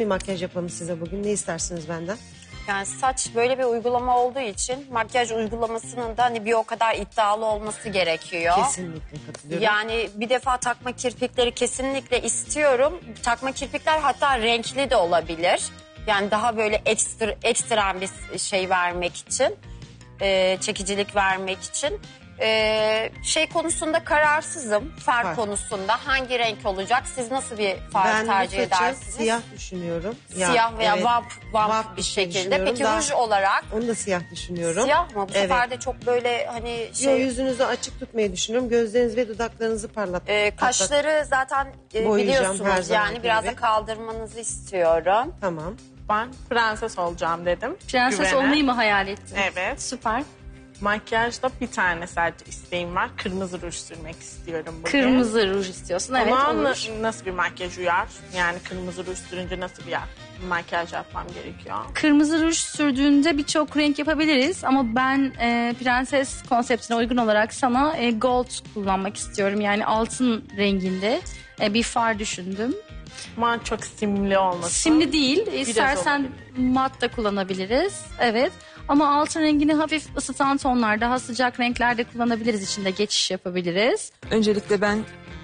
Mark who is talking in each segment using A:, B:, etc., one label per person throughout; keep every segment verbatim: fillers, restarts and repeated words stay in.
A: bir makyaj yapalım size bugün. Ne istersiniz benden?
B: Yani saç böyle bir uygulama olduğu için makyaj uygulamasının da hani bir o kadar iddialı olması gerekiyor.
A: Kesinlikle katılıyorum.
B: Yani bir defa takma kirpikleri kesinlikle istiyorum. Takma kirpikler hatta renkli de olabilir. Yani daha böyle ekstra, ekstrem bir şey vermek için, e, çekicilik vermek için. E, şey konusunda kararsızım, far,
A: Far.
B: konusunda hangi renk olacak? Siz nasıl bir far
A: Ben
B: tercih
A: bu saçı
B: edersiniz?
A: siyah düşünüyorum. Ya,
B: Siyah veya
A: evet,
B: vamp, vamp,
A: vamp
B: bir
A: bir şey
B: şekilde.
A: düşünüyorum.
B: Peki
A: Daha-
B: ruj olarak
A: Onu da siyah düşünüyorum.
B: siyah mı? Bu
A: Evet.
B: sefer de çok böyle hani
A: Yo,
B: şey...
A: yüzünüzü açık tutmayı düşünüyorum. Gözleriniz ve dudaklarınızı parlat.
B: Ee, kaşları zaten e,
A: Boyayacağım her
B: biliyorsunuz
A: zamanki
B: yani biraz
A: gibi.
B: da kaldırmanızı istiyorum.
A: Tamam.
C: Ben prenses olacağım dedim.
D: Prenses
C: Güvene.
D: olmayı mı hayal ettin?
C: Evet.
D: Süper.
C: Makyajda bir tane sadece isteğim var. Kırmızı ruj sürmek istiyorum bugün.
D: Kırmızı ruj istiyorsun. Evet,
C: Ama
D: olur.
C: na- nasıl bir makyaj uyar? Yani kırmızı ruj sürünce nasıl bir makyaj yapmam gerekiyor?
D: Kırmızı ruj sürdüğünde birçok renk yapabiliriz ama ben e, prenses konseptine uygun olarak sana e, gold kullanmak istiyorum. Yani altın renginde e, bir far düşündüm.
C: Ama çok simli olmasın.
D: Simli değil, istersen mat da kullanabiliriz. Evet, ama altın rengini hafif ısıtan tonlar, daha sıcak renklerde kullanabiliriz. İçinde geçiş yapabiliriz.
E: Öncelikle ben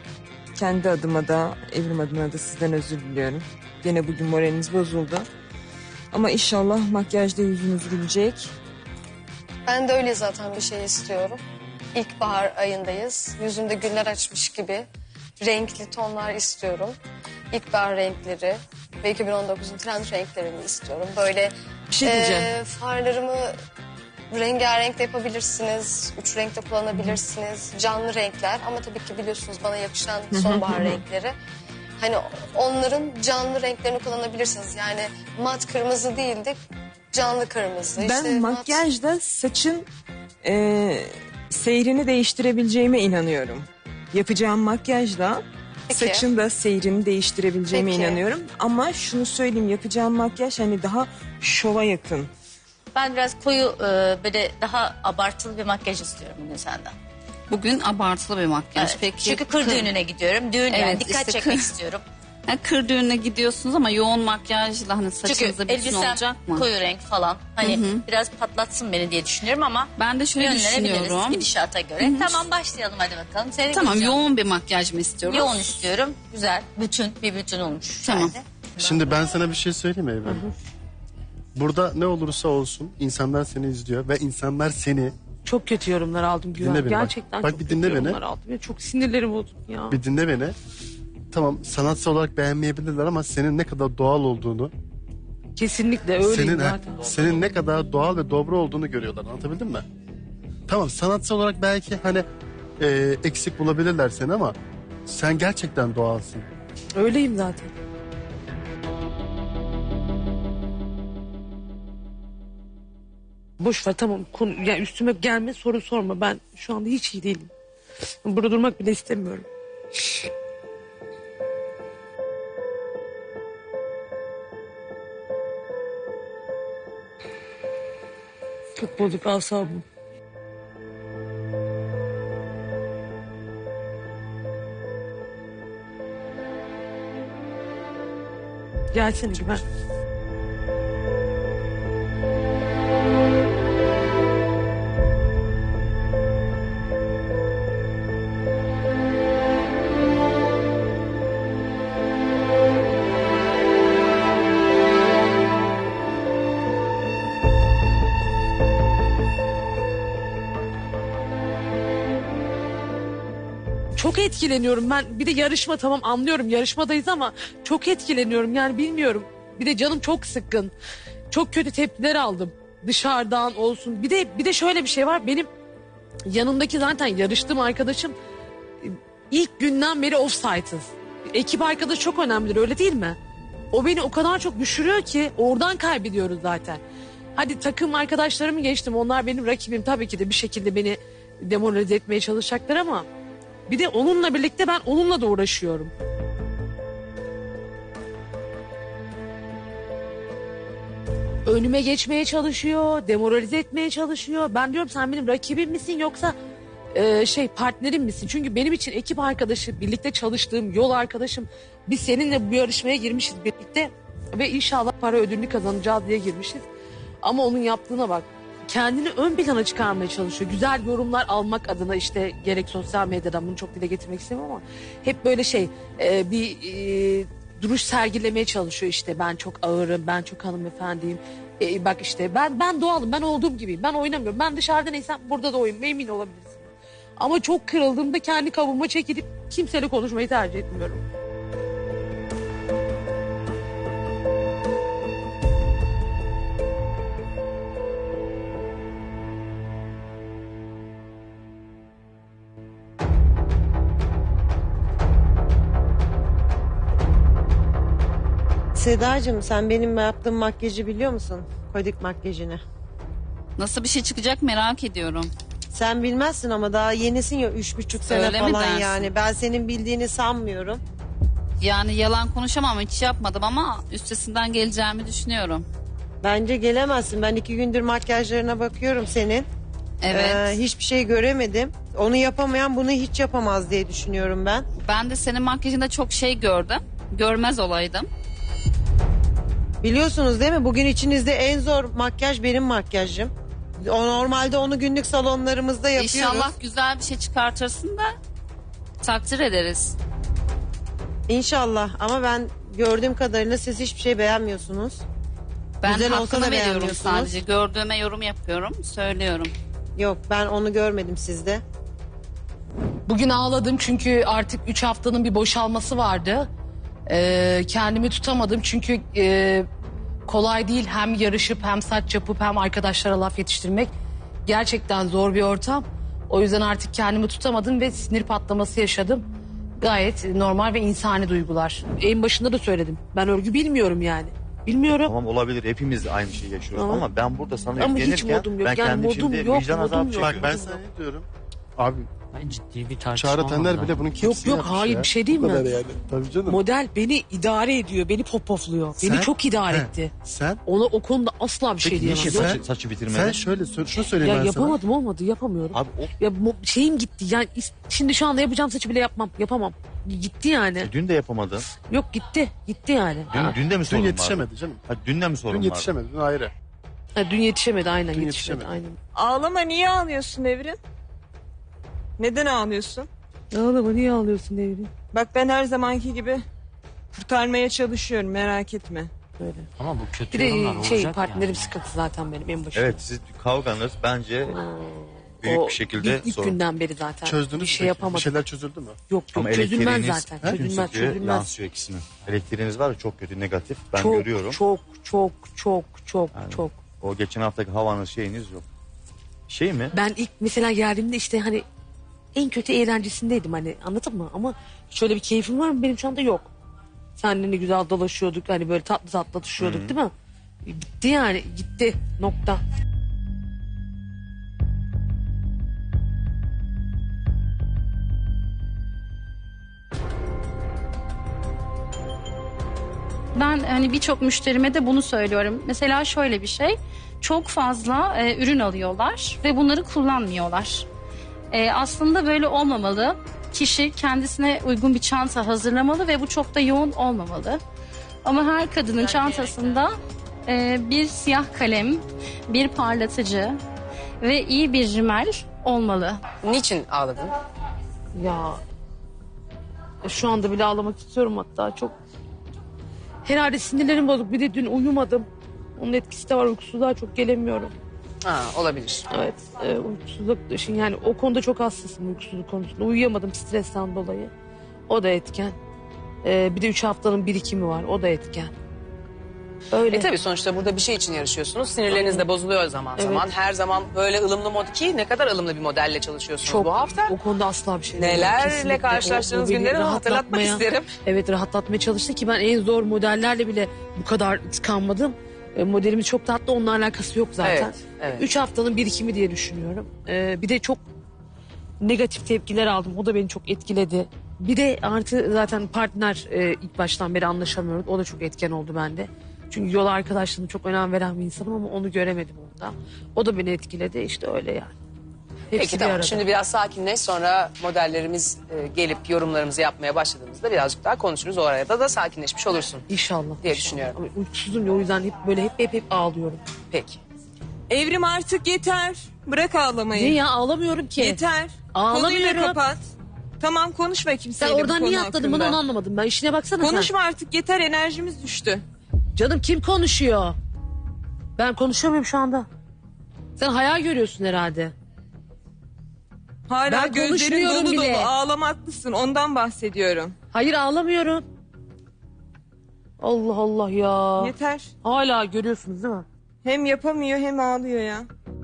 E: kendi adıma da evrim adına da sizden özür diliyorum. Gene bugün moraliniz bozuldu. Ama inşallah makyajda yüzünüz gülecek.
F: Ben de öyle zaten bir şey istiyorum. İlkbahar ayındayız. Yüzümde güller açmış gibi renkli tonlar istiyorum. İlkbahar renkleri ve iki bin on dokuzun trend renklerini istiyorum. Böyle
E: Bir şey diyeceğim.
F: eee, farlarımı rengarenk de yapabilirsiniz. Üç renkte kullanabilirsiniz. Canlı renkler ama tabii ki biliyorsunuz bana yakışan sonbahar renkleri. Hani onların canlı renklerini kullanabilirsiniz. Yani mat kırmızı değil de canlı kırmızı.
E: Ben
F: İşte mat-
E: makyajda saçın e, seyrini değiştirebileceğime inanıyorum. Yapacağım makyajla
F: Peki.
E: saçın da seyrini değiştirebileceğime
F: Peki.
E: inanıyorum. Ama şunu söyleyeyim, yapacağım makyaj hani daha şova yakın.
G: Ben biraz koyu e, böyle daha abartılı bir makyaj istiyorum bugün senden.
H: Bugün abartılı bir makyaj.
G: Evet.
H: Peki
G: Çünkü kır düğününe gidiyorum. Düğün yani
H: Evet,
G: dikkat
H: işte
G: çekmek
H: kır-
G: istiyorum.
H: Yani kır düğününe gidiyorsunuz ama yoğun makyajla hani
G: Çünkü
H: saçınıza bütün
G: elbisem
H: olacak mı?
G: koyu renk falan. Hani
H: Hı hı.
G: biraz patlatsın beni diye düşünüyorum ama
H: Ben de şöyle
G: yönlenebiliriz
H: düşünüyorum.
G: gidişata göre. Tamam başlayalım hadi bakalım. Seni
H: Tamam,
G: göreceğim.
H: yoğun bir makyaj mı istiyoruz?
G: Yoğun istiyorum. Güzel. Bütün bir bütün olmuş.
H: Tamam.
G: Yani.
I: Şimdi ben sana bir şey söyleyeyim mi Eymen? Burada ne olursa olsun insanlar seni izliyor ve insanlar seni
J: Çok kötü yorumlar aldım Güven.
I: Dinle beni bak.
J: Gerçekten
I: Bak
J: çok
I: bir
J: kötü
I: dinle beni.
J: yorumlar aldım. Ya çok sinirlerim bozuldu ya.
I: bir dinle beni. Tamam sanatsal olarak beğenmeyebilirler ama senin ne kadar doğal olduğunu,
J: Kesinlikle öyleyim
I: senin
J: zaten.
I: senin ne kadar doğal ve dobra olduğunu görüyorlar. Anlatabildim mi? Tamam sanatsal olarak belki hani e, eksik bulabilirler seni ama sen gerçekten doğalsın.
J: Öyleyim zaten. Boş ver tamam. Konu, yani üstüme gelme soru sorma. Ben şu anda hiç iyi değilim. Burada durmak bile istemiyorum. Çok bozuk asabım. Gelsene Güven. Çok etkileniyorum ben. Bir de yarışma, tamam anlıyorum yarışmadayız ama çok etkileniyorum yani bilmiyorum. Bir de canım çok sıkkın. Çok kötü tepkiler aldım. Dışarıdan olsun. Bir de bir de şöyle bir şey var. Benim yanımdaki zaten yarıştığım arkadaşım ilk günden beri offside'ız. Ekip arkadaşı çok önemlidir, öyle değil mi? O beni o kadar çok düşürüyor ki oradan kaybediyoruz zaten. Hadi takım arkadaşlarımı geçtim. Onlar benim rakibim, tabii ki de bir şekilde beni demoralize etmeye çalışacaklar ama bir de onunla birlikte ben onunla da uğraşıyorum. Önüme geçmeye çalışıyor, demoralize etmeye çalışıyor. Ben diyorum sen benim rakibim misin yoksa e, şey partnerim misin? Çünkü benim için ekip arkadaşı, birlikte çalıştığım yol arkadaşım. Biz seninle bu yarışmaya girmişiz birlikte. Ve inşallah para ödülünü kazanacağız diye girmişiz. Ama onun yaptığına bak. Kendini ön plana çıkarmaya çalışıyor. Güzel yorumlar almak adına işte gerek sosyal medyadan, bunu çok dile getirmek istemiyorum ama hep böyle şey e, bir e, duruş sergilemeye çalışıyor işte. Ben çok ağırım, ben çok hanımefendiyim. E, bak işte ben ben doğalım, ben olduğum gibiyim. Ben oynamıyorum. Ben dışarıda neysem burada da oyum. Emin olabilirsin. Ama çok kırıldığımda kendi kabuğuma çekilip kimseyle konuşmayı tercih etmiyorum.
A: Sedacığım sen benim yaptığım makyajı biliyor musun? Kodik makyajını.
H: Nasıl bir şey çıkacak merak ediyorum.
A: Sen bilmezsin ama daha yenisin ya üç buçuk sene
H: Öyle mi
A: falan
H: dersin?
A: yani. Ben senin bildiğini sanmıyorum.
H: Yani yalan konuşamam, hiç yapmadım ama üstesinden geleceğimi düşünüyorum.
A: Bence gelemezsin. Ben iki gündür makyajlarına bakıyorum senin.
H: Evet.
A: Ee, hiçbir şey göremedim. Onu yapamayan bunu hiç yapamaz diye düşünüyorum ben.
H: Ben de senin makyajında çok şey gördüm. Görmez olaydım.
A: Biliyorsunuz değil mi? Bugün içinizde en zor makyaj benim makyajım. O normalde onu günlük salonlarımızda yapıyoruz.
H: İnşallah güzel bir şey çıkartırsın da takdir ederiz.
A: İnşallah ama ben gördüğüm kadarıyla siz hiçbir şey beğenmiyorsunuz.
H: Ben
A: Güzel olsa
H: hakkını
A: da
H: veriyorum
A: beğenmiyorsunuz.
H: sadece. Gördüğüme yorum yapıyorum, söylüyorum.
A: Yok ben onu görmedim sizde.
J: Bugün ağladım çünkü artık üç haftanın bir boşalması vardı. Ee, kendimi tutamadım çünkü e, kolay değil hem yarışıp hem saç yapıp hem arkadaşlara laf yetiştirmek. Gerçekten zor bir ortam. O yüzden artık kendimi tutamadım ve sinir patlaması yaşadım. Gayet normal ve insani duygular. En başında da söyledim. Ben örgü bilmiyorum yani. Bilmiyorum.
K: Tamam olabilir, hepimiz aynı şeyi yaşıyoruz
J: Tamam.
K: ama ben burada sana
J: Ama hiç
K: yüklenirken
J: modum yok.
K: ben
J: Yani
K: kendim
J: modum
K: şimdi
J: yok,
K: vicdan
J: modum
K: azabı
J: yok.
I: Bak
K: çekiyorum.
I: ben sana ne diyorum? Abi
L: Ben ciddi bir tartışma
I: Çağrı Tender
L: olmadan.
I: bile bunun
J: Yok
I: kimsini
J: yok
I: yapmış
J: hayır
I: ya.
J: bir şey
I: Bu
J: değil mi?
I: kadar yani. Tabii canım.
J: Model beni idare ediyor. Beni popofluyor. Beni
I: Sen-
J: çok idare
I: He,
J: etti.
I: Sen
J: Ona o konuda asla bir şey
I: Peki,
J: diyemem.
K: Niçin
I: Sen-
K: saçı, saçı bitirmedin?
I: sen şöyle sor- şunu söyleyeyim
J: Ya
I: ben sana.
J: yapamadım olmadı yapamıyorum.
K: Abi o
J: Ya mo- şeyim gitti yani is- şimdi şu anda yapacağım saçı bile yapmam yapamam. Gitti yani.
K: e, dün de yapamadın.
J: Yok gitti gitti yani.
K: Dün,
J: Ha.
K: dün de mi
I: Dün
K: sorun vardı?
I: yetişemedi canım.
K: Ha, dün de mi sorun
I: Dün
K: vardı?
I: yetişemedi. Dün ayrı.
J: Ha, dün yetişemedi aynen
I: Dün
J: yetişemedi,
I: yetişemedi.
J: aynen.
E: Ağlama, niye ağlıyorsun Evrim? Neden ağlıyorsun?
J: Ağlama niye ağlıyorsun Devrim?
E: Bak ben her zamanki gibi kurtarmaya çalışıyorum, merak etme.
J: Böyle.
L: Ama bu kötü
J: Bir
L: yorumlar
J: de şey
L: olacak
J: partnerim
L: yani.
J: sıkıntı zaten benim en başında.
K: Evet, siz kavganız bence büyük
J: O
K: bir şekilde
J: ilk, ilk
K: sorun.
J: günden beri zaten
I: Çözdünüz
J: bir şey
I: mü peki?
J: yapamadım.
I: Bir şeyler çözüldü mü?
J: Yok yok
K: Ama
J: çözülmez
K: elektriğiniz
J: zaten.
K: tüm
J: Çözülmez
K: stüdyoya
J: çözülmez.
K: yansıyor ikisinin. Elektriğiniz var ya, çok kötü, negatif. Ben
J: çok,
K: görüyorum.
J: Çok çok çok çok
K: Yani
J: çok.
K: O geçen haftaki havanız şeyiniz yok. Şey mi?
J: Ben ilk mesela geldiğimde işte hani en kötü eğlencesindeydim hani anladın mı? Ama şöyle bir keyfim var mı benim şu anda yok. Seninle ne güzel dolaşıyorduk hani böyle tatlı tatlı atışıyorduk değil mi? Bitti yani gitti nokta.
D: Ben hani birçok müşterime de bunu söylüyorum. Mesela şöyle bir şey. Çok fazla e, ürün alıyorlar ve bunları kullanmıyorlar. E, aslında böyle olmamalı. Kişi kendisine uygun bir çanta hazırlamalı ve bu çok da yoğun olmamalı. Ama her kadının çantasında e, bir siyah kalem, bir parlatıcı ve iyi bir rimel olmalı.
M: Niçin ağladın?
J: Ya şu anda bile ağlamak istiyorum hatta çok. Herhalde sinirlerim bozuk bir de dün uyumadım. Onun etkisi de var uykusuzluğa çok gelemiyorum.
M: Ha, olabilir.
J: Evet e, uykusuzluk için yani o konuda çok hassasım uykusuzluk konusunda. Uyuyamadım stresten dolayı. O da etken. E, bir de üç haftanın birikimi var o da etken. Öyle.
M: E tabii sonuçta burada bir şey için yarışıyorsunuz. Sinirleriniz de bozuluyor zaman
J: Evet.
M: zaman. Her zaman böyle ılımlı mod ki ne kadar ılımlı bir modelle çalışıyorsunuz
J: Çok
M: bu hafta.
J: o konuda asla bir şey demiyorum.
M: Nelerle
J: Kesinlikle.
M: karşılaştığınız
J: O- o beni
M: günleri hatırlatmak
J: rahatlatmaya-
M: isterim.
J: Evet rahatlatmaya çalıştı ki ben en zor modellerle bile bu kadar tıkanmadım. E, modelimiz çok tatlı onunla alakası yok zaten.
M: Evet, evet.
J: Üç haftanın birikimi diye düşünüyorum. E, bir de çok negatif tepkiler aldım. O da beni çok etkiledi. Bir de artı zaten partner e, ilk baştan beri anlaşamıyoruz. O da çok etken oldu bende. Çünkü yol arkadaşlığına çok önem veren bir insanım ama onu göremedim onda. O da beni etkiledi işte öyle yani. Hepsi
M: Peki
J: bir
M: tamam.
J: arada.
M: Şimdi biraz sakinleş, sonra modellerimiz e, gelip yorumlarımızı yapmaya başladığımızda birazcık daha konuşuruz. O arada da sakinleşmiş olursun
J: İnşallah.
M: diye
J: inşallah.
M: düşünüyorum.
J: Ama uykusuzum ya, o yüzden hep böyle hep hep hep ağlıyorum.
M: Peki.
E: Evrim artık yeter. Bırak ağlamayı.
J: Niye ya, ağlamıyorum ki.
E: Yeter.
J: Ağlamıyorum.
E: Konuyu da kapat. Tamam, konuşma
J: Sen
E: kimseyle bu
J: oradan
E: konu
J: niye atladın bunu
E: hakkında.
J: onu anlamadım ben. İşine baksana sen.
E: Konuşma artık, yeter, enerjimiz düştü.
J: Canım kim konuşuyor? Ben konuşuyor muyum şu anda? Sen hayal görüyorsun herhalde.
E: Hala
J: Ben
E: gözlerin
J: konuşmuyorum
E: dolu
J: bile.
E: dolu, ağlamaklısın, ondan bahsediyorum.
J: Hayır ağlamıyorum. Allah Allah ya.
E: Yeter.
J: Hala görüyorsunuz değil mi?
E: Hem yapamıyor hem ağlıyor ya.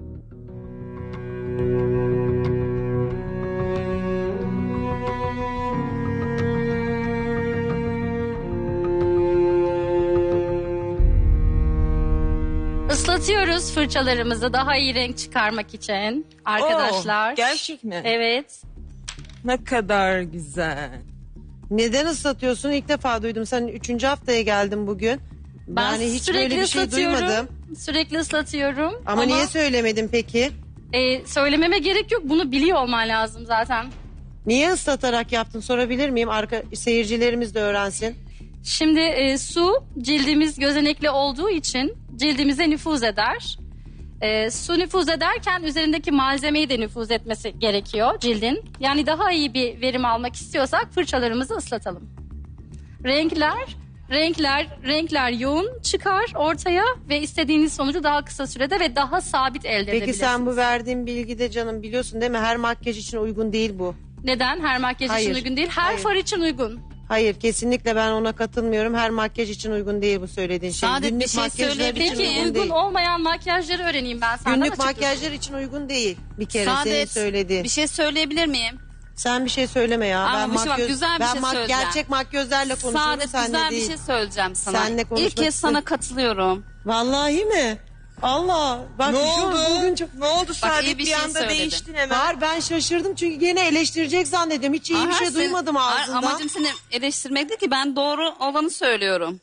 D: Islatıyoruz fırçalarımızı daha iyi renk çıkarmak için arkadaşlar.
E: Oo, gerçek mi?
D: Evet.
E: Ne kadar güzel.
A: Neden ıslatıyorsun? İlk defa duydum. Sen üçüncü haftaya geldin bugün.
D: Ben
A: yani hiç
D: sürekli
A: böyle bir şey
D: ıslatıyorum.
A: duymadım.
D: Sürekli ıslatıyorum.
A: Ama, niye söylemedin peki?
D: E, söylememe gerek yok. Bunu biliyor olman lazım zaten.
A: Niye ıslatarak yaptın sorabilir miyim? Arka, seyircilerimiz de öğrensin.
D: Şimdi e, su cildimiz gözenekli olduğu için cildimize nüfuz eder. E, su nüfuz ederken üzerindeki malzemeyi de nüfuz etmesi gerekiyor cildin. Yani daha iyi bir verim almak istiyorsak fırçalarımızı ıslatalım. Renkler, renkler, renkler yoğun çıkar ortaya ve istediğiniz sonucu daha kısa sürede ve daha sabit elde
A: Peki
D: edebilirsiniz.
A: sen bu verdiğin bilgide canım biliyorsun değil mi? Her makyaj için uygun değil bu.
D: Neden? Her makyaj
A: Hayır,
D: için uygun değil. Her
A: hayır.
D: far için uygun.
A: Hayır kesinlikle ben ona katılmıyorum. Her makyaj için uygun değil bu söylediğin şey.
H: Saadet, bir
A: Günlük
H: şey
A: makyajlar
H: söyleyebilir
A: için
D: Peki
H: miyim?
A: uygun
D: uygun
A: değil.
D: olmayan makyajları öğreneyim ben senden
A: Günlük
D: açıkçası.
A: makyajlar için uygun değil. Bir kere senin
H: Saadet,
A: söylediğin.
H: bir şey söyleyebilir miyim?
A: Sen bir şey söyleme ya.
H: Ama
A: ben
H: bir şey bak,
A: makyöz-
H: güzel bir
A: ben
H: şey
A: mak-
H: söyleyeceğim.
A: gerçek makyözlerle konuşuyorum
H: Saadet,
A: seninle
H: güzel
A: değil.
H: bir şey söyleyeceğim sana.
A: Seninle konuşmak
H: İlk kez sana katılıyorum.
A: Vallahi mi? Allah. Bak
E: Ne
A: şu
E: oldu?
A: Bugün çok...
E: Ne oldu Saadet,
H: iyi bir
E: bir,
H: şey
E: anda
H: söyledin.
E: değiştin hemen.
A: Hayır ben şaşırdım çünkü gene eleştirecek zannediyorum. Hiç iyi bir
H: Aha,
A: şey
H: sen-
A: duymadım
H: Hayır,
A: ağzından.
H: amacım seni eleştirmek değil ki, ben doğru olanı söylüyorum.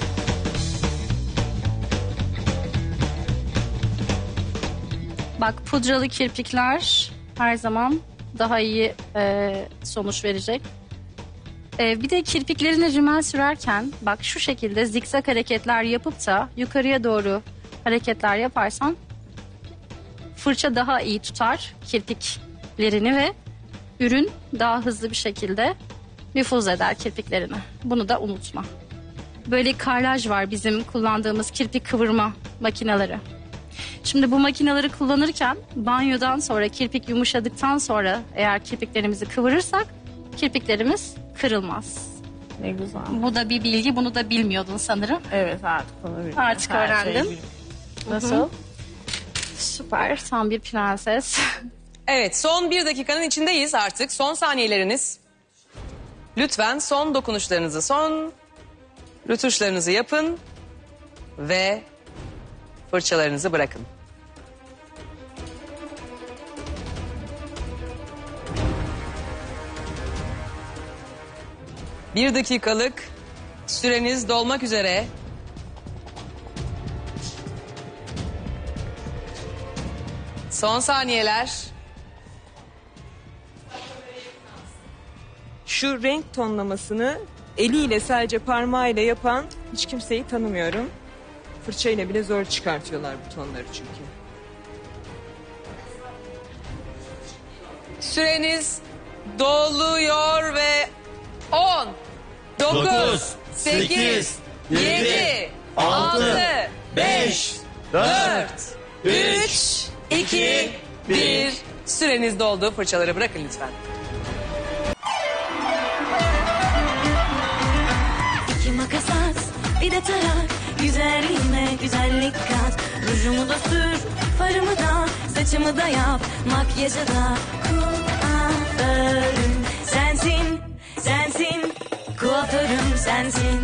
D: Bak pudralı kirpikler her zaman daha iyi e, sonuç verecek. E, bir de kirpiklerine rimel sürerken bak şu şekilde zikzak hareketler yapıp da yukarıya doğru hareketler yaparsan fırça daha iyi tutar kirpiklerini ve ürün daha hızlı bir şekilde nüfuz eder kirpiklerine. Bunu da unutma. Böyle karlaj var bizim kullandığımız kirpik kıvırma makineleri. Şimdi bu makineleri kullanırken banyodan sonra kirpik yumuşadıktan sonra eğer kirpiklerimizi kıvırırsak kirpiklerimiz kırılmaz.
C: Ne güzel.
D: Bu da bir bilgi, bunu da bilmiyordun sanırım.
C: Evet artık onu biliyorum.
D: Artık
C: Her şeyi
D: öğrendim.
C: biliyorum. Nasıl?
D: Süper, tam bir prenses.
M: Evet, son bir dakikanın içindeyiz artık. Son saniyeleriniz. Lütfen son dokunuşlarınızı, son rötuşlarınızı yapın ve fırçalarınızı bırakın. Bir dakikalık süreniz dolmak üzere. Son saniyeler.
E: Şu renk tonlamasını eliyle sadece parmağıyla yapan hiç kimseyi tanımıyorum. Fırçayla bile zor çıkartıyorlar bu tonları çünkü.
M: Süreniz doluyor ve on, dokuz, sekiz, yedi, altı, beş, dört, üç, iki, bir. Süreniz doldu. Fırçaları bırakın lütfen.
N: İki makas at, bir de tarak. Güzelliğime güzellik kat. Rujumu da sür, farımı da, saçımı da yap. Makyajı da kuaförüm sensin, sensin. Kuaförüm sensin.